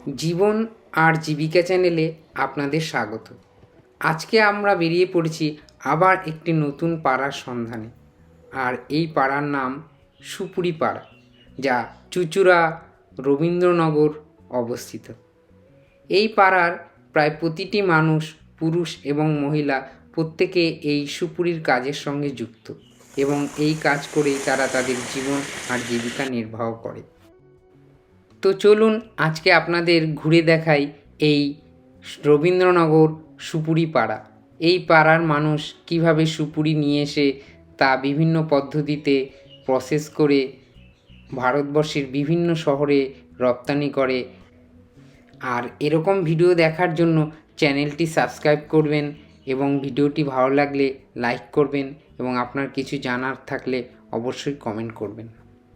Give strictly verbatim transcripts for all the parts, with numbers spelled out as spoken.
জীবন আর জীবিকা চ্যানেলে আপনাদের স্বাগত। আজকে আমরা বেরিয়ে পড়েছি আবার একটি নতুন পাড়ার সন্ধানে। আর এই পাড়ার নাম সুপুরি পাড়া, যা চুঁচুড়া রবীন্দ্রনগর অবস্থিত। এই পাড়ার প্রায় প্রতিটি মানুষ, পুরুষ এবং মহিলা, প্রত্যেকে এই সুপুরির কাজের সঙ্গে যুক্ত এবং এই কাজ করেই তারা তাদের জীবন আর জীবিকা নির্বাহ করে। তো চলুন আজকে আপনাদের ঘুরে দেখাই এই রবীন্দ্রনগর সুপুরি পাড়া। এই পাড়ার মানুষ কিভাবে সুপুরি নিয়ে এসে তা বিভিন্ন পদ্ধতিতে প্রসেস করে ভারতবর্ষের বিভিন্ন শহরে রপ্তানি করে। আর এরকম ভিডিও দেখার জন্য চ্যানেলটি সাবস্ক্রাইব করবেন এবং ভিডিওটি ভালো লাগলে লাইক করবেন এবং আপনার কিছু জানার থাকলে অবশ্যই কমেন্ট করবেন।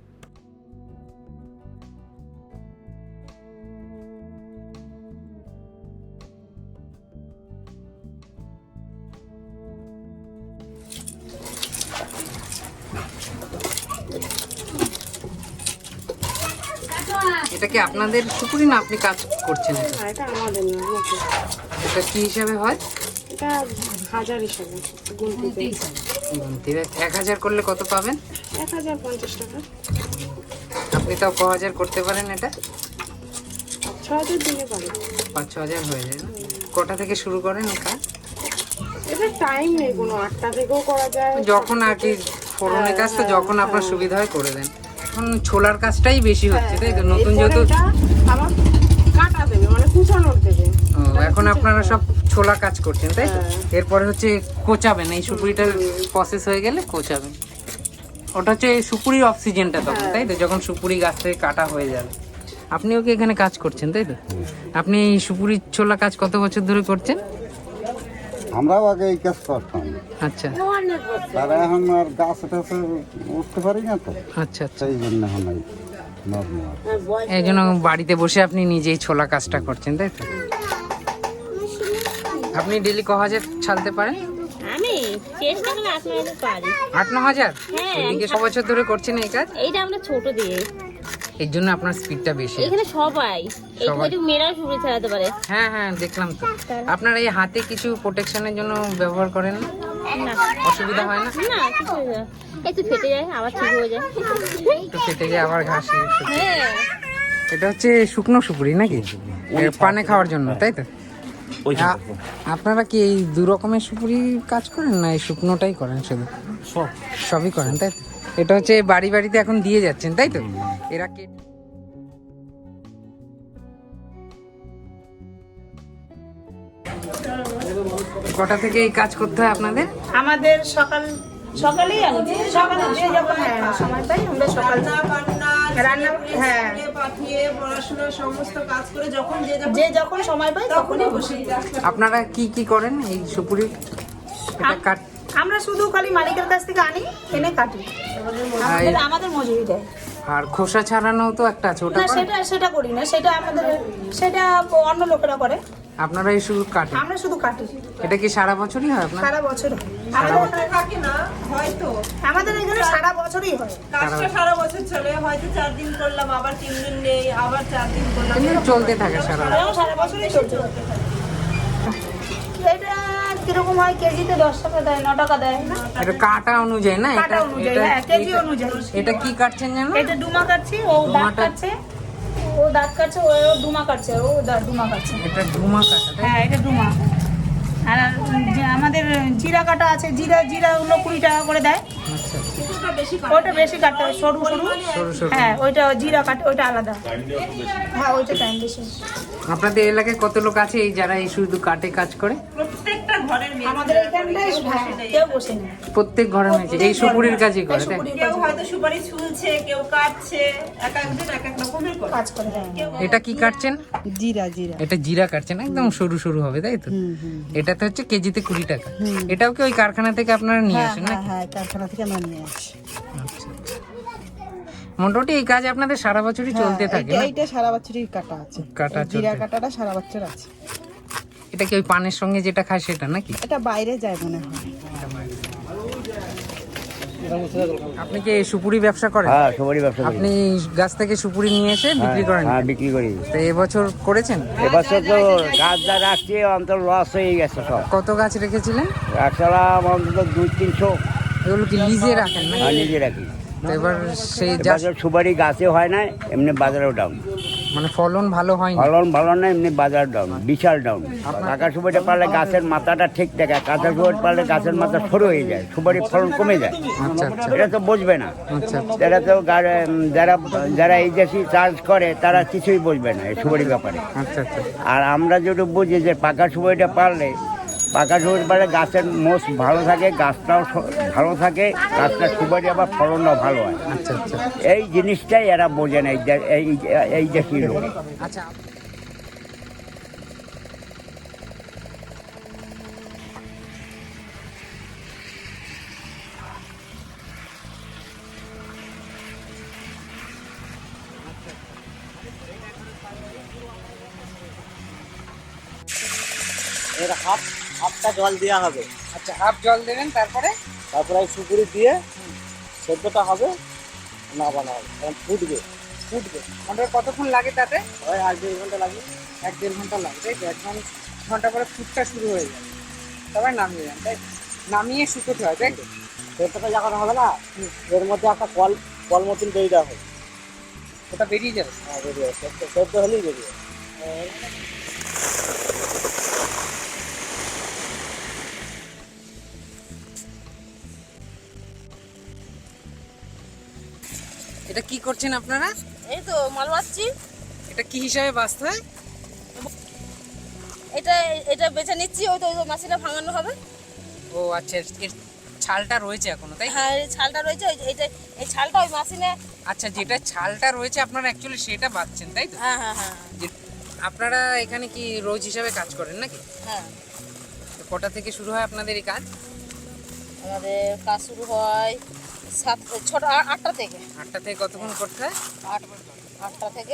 এটা কি আপনাদের সুপুরি না আপনি কাজ করছেন? এটা আমাদের না, এটা কি হিসাবে হয়? এটা হাজার হিসাবে গুনতি গুনতি এক হাজার করলে কত পাবেন? এক হাজার পঞ্চাশ টাকা। আপনি তাও ক হাজার করতে পারেন? এটা ছ হাজার দিনে পারে, পাঁচ ছ হাজার হয়ে যায় না? কটা থেকে শুরু করেন কাজ? এটা টাইম নেই কোনো, আটটা থেকেও করা যায় যখন আর কি ফোরনের কাজ তো যখন আপনার সুবিধা হয় করে দেন। এখন ছোলার কাজটাই বেশি হচ্ছে, তাই তো? নতুন যেহেতু আমার কাটা দেবে, মানে কুচানোর দেবে। এখন আপনারা সব ছোলা কাজ করছেন, তাই তো? এরপরে হচ্ছে কোচাবেন, এই সুপুরিটার প্রসেস হয়ে গেলে কোচাবেন। ওটা হচ্ছে সুপুরির অক্সিজেনটা তখন, তাই তো? যখন সুপুরি গাছ থেকে কাটা হয়ে যাবে। আপনিও কি এখানে কাজ করছেন, তাই তো? আপনি এই সুপুরির ছোলা কাজ কত বছর ধরে করছেন? আমরাও আগে এই কাজ করতাম, আচ্ছা তারা এখন আর গাছ টাছে উঠতে পারি না তো, আচ্ছা আচ্ছা। সেই জন্য এখন এই নর্মাল। এই জন্য বাড়িতে বসে আপনি নিজেই ছোলা কাজটা করছেন, তাই তো? আপনি ডেলি ক হাজার ছালতে পারেন? আমি চেষ্টা করে আট ন হাজার পারি। আট ন হাজার? হ্যাঁ। এদিকে ছ বছর ধরে করছেন এই কাজ? এইটা আমরা ছোট দিয়ে, এর জন্য আপনার স্পিডটা বেশি। এখানে সবাই সবাই। এইটুকু মেয়েরাও শুরু চালাতে পারে। হ্যাঁ হ্যাঁ দেখলাম তো। আপনার এই হাতে কিছু প্রোটেকশনের জন্য ব্যবহার করেন না? না অসুবিধা হয় না? না, কিছু হয় না। একটু ফেটে যায় আবার ঠিক হয়ে যায়। একটু কেটে গিয়ে আবার ঘাসে। হ্যাঁ, এটা হচ্ছে শুকনো সুপুরি নাকি? এর পানে খাওয়ার জন্য, তাই তো? আ- আপনারা কি এই দু রকমের সুপুরি কাজ করেন না এই শুকনোটাই করেন? শুধু সব সবই করেন, তাই তো? এটা হচ্ছে বাড়ি বাড়িতে এখন দিয়ে যাচ্ছেন, তাই তো? এরা কে কটা থেকে এই কাজ করতে হয় আপনাদের? আমাদের সকাল সকালেই আমি সকালে যে যখন হ্যাঁ সময় পাই আমরা সকাল রান্না হ্যাঁ পাঠিয়ে পড়াশোনা সমস্ত কাজ করে যখন যে যে যখন সময় পাই তখনই বসি। আপনারা কি কি করেন এই সুপুরি? এটা কাট আমরা শুধু খালি মালিকের কাছ থেকে আনি, এনে কাটি। আমাদের আমাদের মজুরি দেয়। আর খোসা ছাড়ানো তো একটা আছে, ওটা না করেন? সেটা সেটা করি না, সেটা আমাদের সেটা অন্য লোকেরা করে, আপনারা এই শুধু কাটেন? আমরা শুধু কাটি। এটা কি সারা বছরই হয় আপনার? সারা বছর হয়। আমাদের এখানে থাকে না হয়তো আমাদের এখানে সারা বছরই হয়। কাজটা সারা বছর চলে, হয়তো চার দিন করলাম আবার তিন দিন নেই, আবার চার দিন করলাম, এমনি চলতে থাকে সারা বছর। এরকম সারা বছরই চলছে। এটা কিরকম হয়? কেজিতে দশ টাকা দেয়, ন টাকা দেয়। এটা কাটা অনুযায়ী না? কাটা এটা অনুযায়ী, এটা- হ্যাঁ, কেজি এটা- অনুযায়ী। এটা কি কাটছেন জানো? এটা ডুমা কাটছি, ও দাঁত ডুমাটা- কাটছে, ও দাঁত কাটছে, ও ডুমা কাটছে, ও দা- ডুমা কাটছে। এটা ডুমা কাটা, তাই? হ্যাঁ, এটা ডুমা। আর যে আমাদের জিরা কাটা আছে, জিরা জিরা হলো কুড়ি টাকা করে দেয়। আচ্ছা আচ্ছা। ওইটা বেশি কাটতে হয়, সরু সরু। সরু সরু। হ্যাঁ, ওইটা জিরা কাটে, ওইটা আলাদা। হ্যাঁ, ওইটা টাইম বেশি। আপনাদের এলাকায় কত লোক আছে এই যারা এই শুধু কাটে কাজ করে? প্রত্যেকটা ঘরের মেয়ে। আমাদের এখানটায় হ্যাঁ, কেউ বসে নেই। প্রত্যেক ঘরে মেয়েছে এই সুপুরির কাজই করে, তাই? সুপুরির কেউ হয়তো সুপারি ছুলছে, কেউ কাটছে, এক একজন এক এক রকমের করে। কাজ করে, হ্যাঁ। এটা কি কাটছেন? জিরা জিরা এটা জিরা কাটছেন, একদম সরু সরু হবে, তাই তো? এটাতে হচ্ছে কেজিতে কুড়ি টাকা। এটাও কি ওই কারখানা থেকে আপনারা নিয়ে আসেন নাকি? হ্যাঁ, কারখানা থেকে আমরা নিয়ে আসি। আচ্ছা আচ্ছা। মোটামুটি এই কাজ আপনাদের সারা বছরই চলতে থাকে না? এইটা সারা বছরই কাটা আছে, কাটা এই জিরা চলতে। কাটাটা সারা বছর আছে। এটা কি ওই পানের সঙ্গে যেটা খায় সেটা নাকি? এটা বাইরে যায় মনে হয়। আপনি কি এই সুপুরি ব্যবসা করেন? হ্যাঁ সুপারি ব্যবসা করি। আপনি এই গাছ থেকে সুপুরি নিয়ে এসে বিক্রি করেন? হ্যাঁ বিক্রি করি। তো এবছর করেছেন? এবছর তো গাছ যা রাখছি অন্তত লস হয়ে গেছে সব। কত গাছ রেখেছিলেন? রাখছিলাম অন্তত দুই তিনশো। এগুলো কি লিজে রাখেন না? হ্যাঁ নিজে রাখি। তো এবার সেই যা এবছর সুপারি গাছে হয় না, এমনি বাজারেও ডাউন। মানে ফলন ভালো হয়নি? ফলন ভালো না, এমনি বাজার ডাউন, বিশাল ডাউন। কাঁচা সুপারিটা পারলে গাছের মাথাটা ঠিক থাকে, কাঁচা সুপারি পারলে গাছের মাথা সরু হয়ে যায়, সুপারির ফলন কমে যায়। আচ্ছা আচ্ছা এটা তো বুঝবে না। আচ্ছা যারা তো গা- যারা যারা এই দেশি চার্জ করে তারা কিছুই বুঝবে না এই সুপারি ব্যাপারে। আচ্ছা আচ্ছা আর আমরা যেটু বুঝি যে পাকা সুপারিটা পারলে, পাকা সুপারি পারলে গাছের মোষ ভালো থাকে, গাছটাও স- ভালো থাকে, গাছটা সুপারি আবার ফলনটাও ভালো হয়। আচ্ছা আচ্ছা এই জিনিসটাই এরা বোঝে না, এই দে- এই এই দেশি লোক। আচ্ছা এর হাফ হাফটা জল দেওয়া হবে, আচ্ছা হাফ জল দেবেন, তারপরে তারপরে এই সুপুরি দিয়ে সেদ্ধটা হবে, নামানো হবে, তখন ফুটবে। ফুটবে। মোটর কতক্ষণ লাগে তাতে? ওই এক দেড় ঘন্টা লাগবে। এক দেড় ঘন্টা লাগে, তাই তো? এক ঘন- ঘন্টা পরে ফুটটা শুরু হয়ে যাবে, তারপরে নামিয়ে দেন, তাই তো? নামিয়ে শুকোতে হয়, তাই তো? সেদ্ধটা যখন হবে না, এর মধ্যে একটা কল কল মতন দিয়ে দেওয়া হবে। ওটা বেরিয়ে যাবে। হ্যাঁ বেরিয়ে যাবে, সেদ্ধ সেদ্ধ হলেই বেরিয়ে যাবে। এটা কি করছেন আপনারা? এই তো মাল বাঁচছি। এটা কি হিসাবে বাঁচতে হয়? এটা এটা বেছে নিচ্ছি, ওই তো ওই তো মাছিটা ভাঙানো হবে। ও আচ্ছা, এর ছালটা রয়েছে এখনো, তাই? হ্যাঁ এই ছালটা রয়েছে, ওই যে এইটা এই ছালটা ওই মাছিনে। আচ্ছা, যেটা ছালটা রয়েছে আপনারা অ্যাকচুয়ালি সেটা বাঁচছেন, তাই তো? হ্যাঁ হ্যাঁ হ্যাঁ যে- আপনারা এখানে কি রোজ হিসাবে কাজ করেন নাকি? হ্যাঁ। তো কটা থেকে শুরু হয় আপনাদের এই কাজ? আমাদের কাজ শুরু হয় সাত ছটা আ- আটটা থেকে। আটটা থেকে কতক্ষণ করতে হয়? আট আটটা থেকে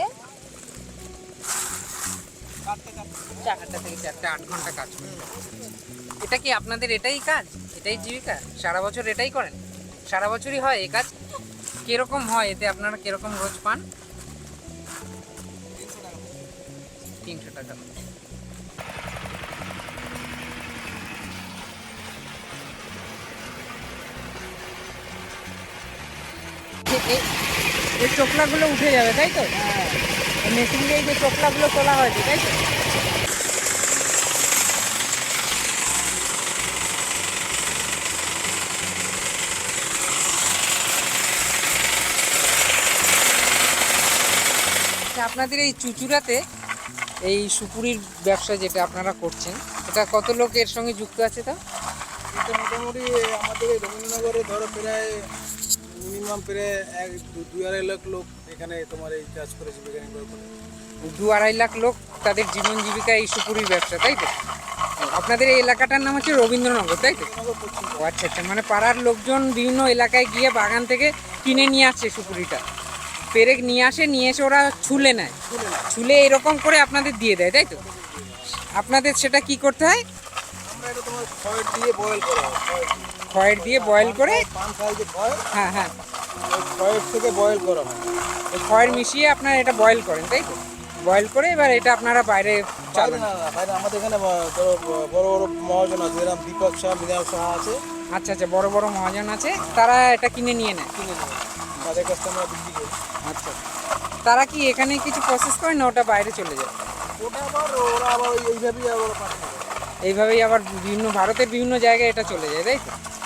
আটটা থেকে চারটা, আট ঘন্টা কাজ করতে হয়। এটা কি আপনাদের এটাই কাজ, এটাই জীবিকা? সারা বছর এটাই করেন? সারা বছরই হয় এই কাজ? কিরকম হয় এতে, আপনারা কিরকম রোজ পান? তিনশো টাকা। এ- এ- এই চোখলাগুলো উঠে যাবে, তাই তো? মেশিন দিয়ে এই যে চোখলাগুলো তোলা হয়েছে, তাই তো? আচ্ছা, আপনাদের এই চুচুড়াতে এই সুপুরির ব্যবসা যেটা আপনারা করছেন, এটা কত লোক এর সঙ্গে যুক্ত আছে? তা এটা মোটামুটি আমাদের এই রবীন্দ্রনগরে ধরো প্রায় মিনিমাম প্রায় এক দু- দুই আড়াই লাখ লোক এখানে তোমার এই কাজ করে জীবিকা নির্বাহ করে। দু আড়াই লাখ লোক তাদের জীবন জীবিকা এই সুপুরির ব্যবসা, তাই তো? আপনাদের এই এলাকাটার নাম হচ্ছে রবীন্দ্রনগর, তাই তো? ও আচ্ছা আচ্ছা, মানে পাড়ার লোকজন বিভিন্ন এলাকায় গিয়ে বাগান থেকে কিনে নিয়ে আসছে সুপুরিটা, পেরে নিয়ে আসে, নিয়ে এসে ওরা ছুলে নেয়, ছুলে এরকম করে আপনাদের দিয়ে দেয়, তাই তো? আপনাদের সেটা কি করতে হয়? আমরা এটা তোমার খয়ের দিয়ে বয়েল করা হয়, খয়ের দিয়ে। খয়ের দিয়ে বয়েল করে, পান খাই যে খয়, হ্যাঁ হ্যাঁ, ওই খয়ের থেকে বয়েল করা হয়। ওই খয়ের মিশিয়ে আপনারা এটা বয়েল করেন, তাই তো? বয়েল করে এবার এটা আপনারা বাইরে বাইরে চালান। না না বাইরে আমাদের এখানে ব- ধরো ব- বড় বড় মহাজন আছে, যেরকম দীপক শাহ, মৃণাল শাহ আছে, আচ্ছা আচ্ছা, বড় বড় মহাজন আছে, তারা এটা কিনে নিয়ে নেয়। কিনে নেয়, তাদের কাছ থেকে আমরা বিক্রি করি। আচ্ছা, তারা কি এখানে কিছু প্রসেস করে না ওটা বাইরে চলে যায়? ওটা আবার ওরা আবার ওই- এইভাবেই আবার পাঠানো হয়। এইভাবেই আবার বিভিন্ন ভারতের বিভিন্ন জায়গায় এটা চলে যায়, তাই তো?